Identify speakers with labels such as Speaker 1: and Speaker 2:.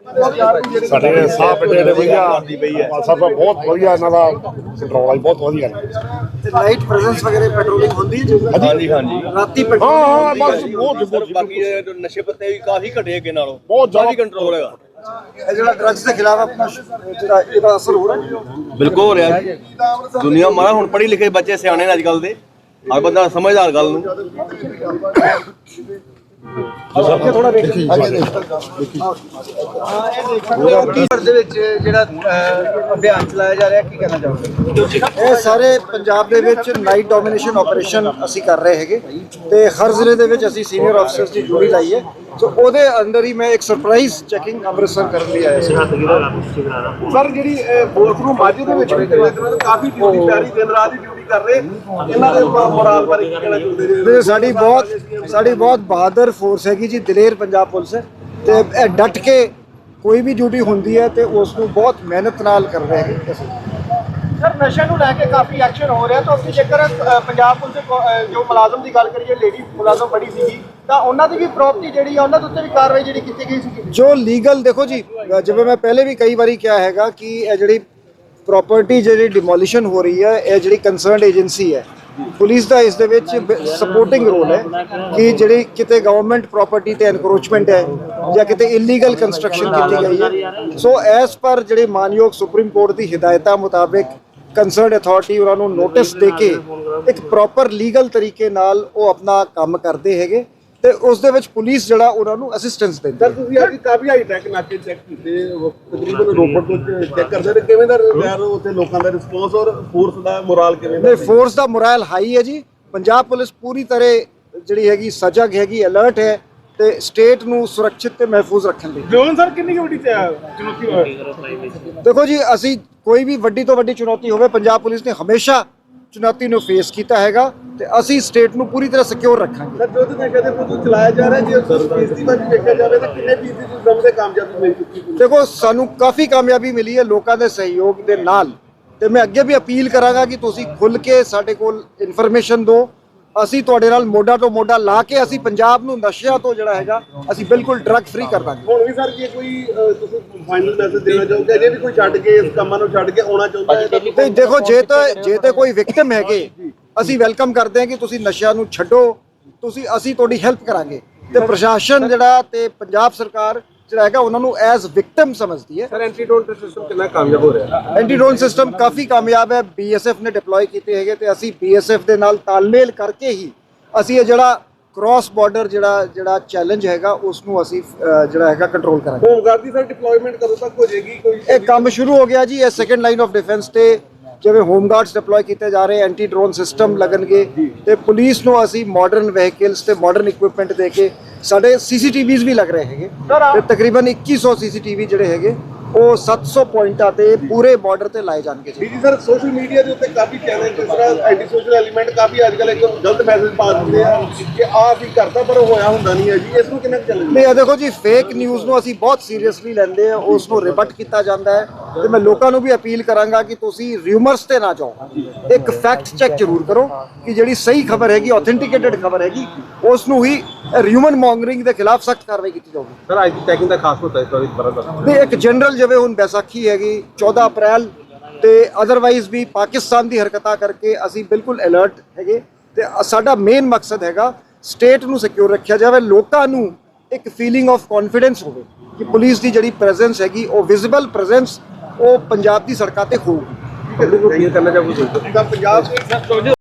Speaker 1: ਸਾਡੇ ਸਾਹ ਪਿੰਡੇ ਦੇ ਵਧੀਆ ਸਭ ਬਹੁਤ ਵਧੀਆ ਇਹਨਾਂ ਦਾ ਕੰਟਰੋਲ ਹੈ, ਬਹੁਤ ਵਧੀਆ
Speaker 2: ਲਾਈਟ ਪ੍ਰੈਜ਼ੈਂਸ ਵਗੈरह ਪੈਟਰੋਲਿੰਗ ਹੁੰਦੀ ਹੈ
Speaker 3: ਹਾਂਜੀ ਹਾਂਜੀ
Speaker 2: ਰਾਤੀ
Speaker 1: ਹਾਂ
Speaker 2: ਪੈਟਰੋਲਿੰਗ
Speaker 1: ਬਸ ਬਹੁਤ
Speaker 3: ਬਾਕੀ ਨਸ਼ੇ ਪੱਤੇ ਵੀ ਕਾਫੀ ਘਟੇ ਅੱਗੇ ਨਾਲੋਂ,
Speaker 1: ਬਹੁਤ ਜ਼ਿਆਦਾ
Speaker 3: ਕੰਟਰੋਲ ਹੈਗਾ।
Speaker 2: ਇਹ ਜਿਹੜਾ ਡਰੱਗਸ ਦੇ ਖਿਲਾਫ ਆਪਣਾ ਜਿਹੜਾ ਇਹਦਾ ਅਸਰ ਹੋ ਰਿਹਾ
Speaker 3: ਬਿਲਕੁਲ ਹੋ ਰਿਹਾ ਜੀ। ਦੁਨੀਆ ਮਾਰਾ ਹੁਣ ਪੜ੍ਹੇ ਲਿਖੇ ਬੱਚੇ ਸਿਆਣੇ ਨੇ ਅੱਜ ਕੱਲ ਦੇ, ਹਰ ਬੰਦਾ ਸਮਝਦਾਰ ਗੱਲ ਨੂੰ।
Speaker 2: ਥੋੜਾ ਦੇਖੀ ਦੇ ਵਿੱਚ ਜਿਹੜਾ ਅਭਿਆਨ ਚਲਾਇਆ ਜਾ ਰਿਹਾ, ਕੀ ਕਹਿਣਾ ਚਾਹੋਗੇ? ਇਹ ਸਾਰੇ ਪੰਜਾਬ ਦੇ ਵਿੱਚ ਨਾਈਟ ਡੋਮੀਨੇਸ਼ਨ ਆਪਰੇਸ਼ਨ ਅਸੀਂ ਕਰ ਰਹੇ ਹੈਗੇ ਤੇ ਹਰ ਜ਼ਿਲ੍ਹੇ ਦੇ ਵਿੱਚ ਅਸੀਂ ਸੀਨੀਅਰ ਅਫਸਰਸ ਦੀ ਡਿਊਟੀ ਲਾਈ ਹੈ। ਸੋ ਉਹਦੇ ਅੰਦਰ ਹੀ ਮੈਂ ਇੱਕ ਸਰਪ੍ਰਾਈਜ਼ ਚੈਕਿੰਗ ਅੰਮ੍ਰਿਤਸਰ ਕਰਨ ਲਈ ਆਇਆ ਸੀ।
Speaker 1: ਸਰ ਜਿਹੜੀ ਬੋਲਖਰੂ ਮਾਝੇ ਦੇ ਵਿੱਚ ਕਾਫੀ ਡਿਊਟੀ ਪਿਆਰੀ ਦਿਨ ਰਾਤ ਦੀ ਡਿਊਟੀ ਕਰ ਰਹੇ, ਇਹਨਾਂ ਦੇ ਮੋਰਾਲ ਬਾਰੇ ਕੀ ਕਹਿਣਾ ਚਾਹੁੰਦੇ ਨੇ?
Speaker 2: ਸਾਡੀ ਬਹੁਤ ਬਹਾਦਰ ਫੋਰਸ ਹੈਗੀ ਜੀ, ਦਲੇਰ ਪੰਜਾਬ ਪੁਲਿਸ ਹੈ ਤੇ ਇਹ ਡਟ ਕੇ ਕੋਈ ਵੀ ਡਿਊਟੀ ਹੁੰਦੀ ਹੈ ਤੇ ਉਸ ਨੂੰ ਬਹੁਤ ਮਿਹਨਤ ਨਾਲ ਕਰ ਰਹੇ ਹੈਗੇ।
Speaker 4: ਸਰ ਨਸ਼ੇ ਨੂੰ ਲੈ ਕੇ ਕਾਫੀ ਐਕਸ਼ਨ ਹੋ ਰਿਹਾ, ਤਾਂ ਅਸੀਂ ਜੇਕਰ ਪੰਜਾਬ ਪੁਲਿਸ ਦੇ ਜੋ ਮੁਲਾਜ਼ਮ ਦੀ ਗੱਲ ਕਰੀਏ, ਲੇਡੀ ਮੁਲਾਜ਼ਮ ਬੜੀ ਸੀਗੀ, ਤਾਂ ਉਹਨਾਂ ਦੀ ਵੀ ਪ੍ਰੋਪਰਟੀ ਜਿਹੜੀ ਆ ਉਹਨਾਂ ਦੇ ਉੱਤੇ ਵੀ ਕਾਰਵਾਈ ਜਿਹੜੀ ਕੀਤੀ ਗਈ ਸੀ।
Speaker 2: ਜੋ ਲੀਗਲ ਦੇਖੋ ਜੀ, ਜਿਵੇਂ ਮੈਂ ਪਹਿਲੇ ਵੀ ਕਈ ਵਾਰੀ ਕਿਹਾ ਹੈਗਾ ਕਿ ਇਹ ਜਿਹੜੀ ਪ੍ਰੋਪਰਟੀ ਜਿਹੜੀ ਡਿਮੋਲੀਸ਼ਨ ਹੋ ਰਹੀ ਹੈ, ਇਹ ਜਿਹੜੀ ਕੰਸਰਨਡ ਏਜੰਸੀ ਹੈ ਪੁਲਿਸ ਦਾ ਇਸ ਦੇ ਵਿੱਚ ਸਪੋਰਟਿੰਗ ਰੋਲ ਹੈ ਕਿ ਜਿਹੜੀ ਕਿਤੇ ਗਵਰਨਮੈਂਟ ਪ੍ਰਾਪਰਟੀ ਤੇ ਐਨਕਰੋਚਮੈਂਟ ਹੈ ਜਾਂ ਕਿਤੇ ਇਲੀਗਲ ਕੰਸਟਰਕਸ਼ਨ ਕੀਤੀ ਗਈ ਹੈ, ਸੋ ਐਸ ਪਰ ਜਿਹੜੇ ਮਾਨਯੋਗ ਸੁਪਰੀਮ ਕੋਰਟ ਦੀ ਹਿਦਾਇਤਾਂ ਮੁਤਾਬਿਕ ਕੰਸਰਨਡ ਅਥਾਰਟੀ ਉਹਨਾਂ ਨੂੰ ਨੋਟਿਸ ਦੇ ਕੇ ਇੱਕ ਪ੍ਰੋਪਰ ਲੀਗਲ ਤਰੀਕੇ ਨਾਲ ਉਹ ਆਪਣਾ ਕੰਮ ਕਰਦੇ ਹੈਗੇ ਤੇ ਉਸ ਦੇ ਵਿੱਚ ਪੁਲਿਸ ਜਿਹੜਾ ਉਹਨਾਂ ਨੂੰ ਅਸਿਸਟੈਂਸ ਦਿੰਦੀ ਹੈ।
Speaker 1: ਤੁਸੀਂ ਅੱਜ ਕਾਫੀ ਹਾਈ ਟੈਕ ਨਾਕੇ ਚੈੱਕ ਕੀਤੇ, ਤਕਰੀਬਨ ਰੋਪੜ ਤੋਂ ਚੈੱਕ ਕਰਦੇ ਨੇ, ਕਿਵੇਂ ਦਾ ਯਾਰ ਉੱਥੇ ਲੋਕਾਂ ਦਾ ਰਿਸਪੌਂਸ ਔਰ ਫੋਰਸ ਦਾ ਮੋਰਾਲ ਕਿਵੇਂ ਦਾ?
Speaker 2: ਫੋਰਸ ਦਾ ਮੋਰਾਲ ਹਾਈ ਹੈ ਜੀ। ਪੰਜਾਬ ਪੁਲਿਸ ਪੂਰੀ ਤਰ੍ਹਾਂ ਜਿਹੜੀ ਹੈਗੀ ਸਜਗ ਹੈਗੀ, ਅਲਰਟ ਹੈ ਤੇ ਸਟੇਟ ਨੂੰ ਸੁਰੱਖਿਅਤ ਤੇ ਮਹਿਫੂਜ਼ ਰੱਖਣ ਲਈ।
Speaker 1: ਜੋਨ ਸਰ ਕਿੰਨੀ ਵੱਡੀ ਚੁਣੌਤੀ
Speaker 2: ਦੇਖੋ ਜੀ, ਅਸੀਂ ਕੋਈ ਵੀ ਵੱਡੀ ਤੋਂ ਵੱਡੀ ਚੁਣੌਤੀ ਹੋਵੇ, ਪੰਜਾਬ ਪੁਲਿਸ ਨੇ ਹਮੇਸ਼ਾ ਚੁਣੌਤੀ ਨੂੰ ਫੇਸ ਕੀਤਾ ਹੈਗਾ ਤੇ ਅਸੀਂ ਸਟੇਟ ਨੂੰ ਪੂਰੀ ਤਰ੍ਹਾਂ ਸਿਕਿਉਰ ਰੱਖਾਂਗੇ।
Speaker 1: ਸਰ ਜੋ ਤੁਸੀਂ ਕਹਿੰਦੇ ਪ੍ਰੋਜੈਕਟ ਚਲਾਇਆ ਜਾ ਰਿਹਾ, ਜੇ ਫੀਸਦੀ ਵੱਲ ਦੇਖਿਆ ਜਾਵੇ ਤਾਂ ਕਿੰਨੇ ਫੀਸਦੀ ਤੁਸੀਂ ਸਮਝਦੇ ਕਾਮਯਾਬੀ ਮਿਲ ਚੁੱਕੀ?
Speaker 2: ਦੇਖੋ ਸਾਨੂੰ ਕਾਫੀ ਕਾਮਯਾਬੀ ਮਿਲੀ ਹੈ ਲੋਕਾਂ ਦੇ ਸਹਿਯੋਗ ਦੇ ਨਾਲ ਤੇ ਮੈਂ ਅੱਗੇ ਵੀ ਅਪੀਲ ਕਰਾਂਗਾ ਕਿ ਤੁਸੀਂ ਖੁੱਲ੍ਹ ਕੇ ਸਾਡੇ ਕੋਲ ਇਨਫੋਰਮੇਸ਼ਨ ਦਿਓ। ਅਸੀਂ ਤੁਹਾਡੇ ਨਾਲ ਮੋਢਾ ਤੋਂ ਮੋਢਾ ਲਾ ਕੇ ਅਸੀਂ ਪੰਜਾਬ ਨੂੰ ਨਸ਼ਿਆਂ ਤੋਂ ਜਿਹੜਾ ਹੈਗਾ ਅਸੀਂ ਬਿਲਕੁਲ ਡਰੱਗ ਫ੍ਰੀ ਕਰ ਦਾਂਗੇ।
Speaker 1: ਹੁਣ ਵੀ ਸਰ ਜੇ ਕੋਈ ਤੁਸੀਂ ਫਾਈਨਲ ਮੈਸੇਜ ਦੇਣਾ ਚਾਹੋਗੇ, ਅਜੇ ਵੀ ਕੋਈ ਛੱਡ ਕੇ ਇਸ ਕੰਮਾਂ ਨੂੰ ਛੱਡ ਕੇ ਆਉਣਾ ਚਾਹੁੰਦਾ ਹੈ ਤਾਂ?
Speaker 2: ਤੇ ਦੇਖੋ ਜੇ ਤੇ ਕੋਈ ਵਿਕਟਿਮ ਹੈਗੇ, ਅਸੀਂ ਵੈਲਕਮ ਕਰਦੇ ਹਾਂ ਕਿ ਤੁਸੀਂ ਨਸ਼ਿਆਂ ਨੂੰ ਛੱਡੋ, ਅਸੀਂ ਤੁਹਾਡੀ ਹੈਲਪ ਕਰਾਂਗੇ ਤੇ ਪ੍ਰਸ਼ਾਸਨ ਜਿਹੜਾ ਤੇ ਪੰਜਾਬ ਸਰਕਾਰ ਜਿਹੜਾ ਹੈਗਾ ਉਹਨਾਂ ਨੂੰ ਐਜ਼ ਵਿਕਟਿਮ ਸਮਝਦੀ ਹੈ।
Speaker 1: ਸਰ ਐਂਟੀਡੋਟ ਸਿਸਟਮ ਕਿੰਨਾ ਕਾਮਯਾਬ ਹੋ ਰਿਹਾ?
Speaker 2: ਐਂਟੀਡੋਨ ਸਿਸਟਮ ਕਾਫੀ ਕਾਮਯਾਬ ਹੈ, BSF ਨੇ ਡਿਪਲੋਏ ਕੀਤੇ ਹੈਗੇ ਤੇ ਅਸੀਂ BSF ਦੇ ਨਾਲ ਤਾਲਮੇਲ ਕਰਕੇ ਹੀ ਅਸੀਂ ਇਹ ਜਿਹੜਾ ਕ੍ਰਾਸ ਬਾਰਡਰ ਜਿਹੜਾ ਚੈਲੰਜ ਹੈਗਾ ਉਸ ਨੂੰ ਅਸੀਂ ਜਿਹੜਾ ਹੈਗਾ ਕੰਟਰੋਲ ਕਰਾਂਗੇ।
Speaker 1: ਹੋਮਗਾਰਡ ਦੀ ਸਰ ਡਿਪਲੋਇਮੈਂਟ ਕਦੋਂ ਤੱਕ ਹੋ ਜਾਏਗੀ? ਕੋਈ
Speaker 2: ਇਹ ਕੰਮ ਸ਼ੁਰੂ ਹੋ ਗਿਆ ਜੀ। ਇਹ ਸੈਕੰਡ ਲਾਈਨ ਆਫ ਡਿਫੈਂਸ ਤੇ ਜਿਵੇਂ ਹੋਮਗਾਰਡਸ ਡਿਪਲੋਏ ਕੀਤੇ ਜਾ ਰਹੇ, ਐਂਟੀ ਡਰੋਨ ਸਿਸਟਮ ਲੱਗਣਗੇ ਤੇ ਪੁਲਿਸ ਨੂੰ ਅਸੀਂ ਮਾਡਰਨ ਵਹੀਕਲਸ ਤੇ ਮਾਡਰਨ ਇਕਵਿਪਮੈਂਟ ਦੇ ਕੇ ਸਾਡੇ CCTVs ਵੀ ਲੱਗ ਰਹੇ ਹੈਗੇ ਤੇ ਤਕਰੀਬਨ 2100 CCTV ਜਿਹੜੇ ਹੈਗੇ ਉਹ 700 ਪੁਆਇੰਟਾਂ ਤੇ ਪੂਰੇ ਬਾਰਡਰ ਤੇ ਲਾਏ ਜਾਣਗੇ ਜੀ।
Speaker 1: ਜੀ ਸਰ ਸੋਸ਼ਲ ਮੀਡੀਆ ਦੇ ਉੱਤੇ ਕਾਫੀ ਚੈਨਲ ਜਿਸ ਤਰ੍ਹਾਂ ਐਂਟੀ ਸੋਸ਼ਲ ਐਲੀਮੈਂਟ ਕਾਫੀ ਅੱਜ ਕੱਲ੍ਹ ਇੱਕ ਗਲਤ ਮੈਸੇਜ ਪਾ ਦਿੰਦੇ ਆ ਕਿ ਆਹ ਵੀ ਕਰਦਾ ਪਰ ਹੋਇਆ ਹੁੰਦਾ ਨਹੀਂ ਹੈ ਜੀ, ਇਸ ਨੂੰ ਕਿੰਨਾ ਚੱਲਦਾ?
Speaker 2: ਨਹੀਂ, ਦੇਖੋ ਜੀ, ਫੇਕ ਨਿਊਜ਼ ਨੂੰ ਅਸੀਂ ਬਹੁਤ ਸੀਰੀਅਸਲੀ ਲੈਂਦੇ ਆ, ਉਸ ਨੂੰ ਰਿਬਟ ਕੀਤਾ ਜਾਂਦਾ ਹੈ ਤੇ ਮੈਂ ਲੋਕਾਂ ਨੂੰ ਵੀ ਅਪੀਲ ਕਰਾਂਗਾ ਕਿ ਤੁਸੀਂ ਰਿਊਮਰਸ ਤੇ ਨਾ ਜਾਓ, ਇੱਕ ਫੈਕਟ ਚੈੱਕ ਜ਼ਰੂਰ ਕਰੋ ਕਿ ਜਿਹੜੀ ਸਹੀ ਖਬਰ ਹੈਗੀ, ਆਥੈਂਟਿਕੇਟਡ ਖਬਰ ਹੈਗੀ, ਉਸ ਨੂੰ ਹੀ ਹਿਊਮਨ ਮੌਂਗਰਿੰਗ ਦੇ ਖਿਲਾਫ ਸਖਤ ਕਾਰਵਾਈ ਕੀਤੀ ਜਾਊਗੀ।
Speaker 1: ਸਰ ਅੱਜ ਦੀ ਟੈਕਿੰਗ ਦਾ ਖਾਸ ਮੁੱਦਾ ਇਸ ਵਾਰ ਬੜਾ
Speaker 2: ਨਹੀਂ, ਇੱਕ ਜਨਰਲ ਜਿਵੇਂ ਹੁਣ ਬੈਸਾਖੀ ਹੈਗੀ 14 ਅਪ੍ਰੈਲ ਤੇ ਅਦਰਵਾਈਜ਼ ਵੀ ਪਾਕਿਸਤਾਨ ਦੀ ਹਰਕਤਾਂ ਕਰਕੇ ਅਸੀਂ ਬਿਲਕੁਲ ਅਲਰਟ ਹੈਗੇ ਤੇ ਸਾਡਾ ਮੇਨ ਮਕਸਦ ਹੈਗਾ ਸਟੇਟ ਨੂੰ ਸਿਕਿਉਰ ਰੱਖਿਆ ਜਾਵੇ, ਲੋਕਾਂ ਨੂੰ ਇੱਕ ਫੀਲਿੰਗ ਆਫ ਕੌਨਫੀਡੈਂਸ ਹੋਵੇ ਕਿ ਪੁਲਿਸ ਦੀ ਜਿਹੜੀ ਪ੍ਰੈਜ਼ੈਂਸ ਹੈਗੀ ਉਹ ਵਿਜ਼ੀਬਲ ਪ੍ਰੈਜ਼ੈਂਸ ਉਹ ਪੰਜਾਬ ਦੀ ਸੜਕਾਂ ਤੇ ਹੋਊਗੀ।
Speaker 1: ਕਰਨਾ ਚਾਹੂੰਗਾ ਪੰਜਾਬ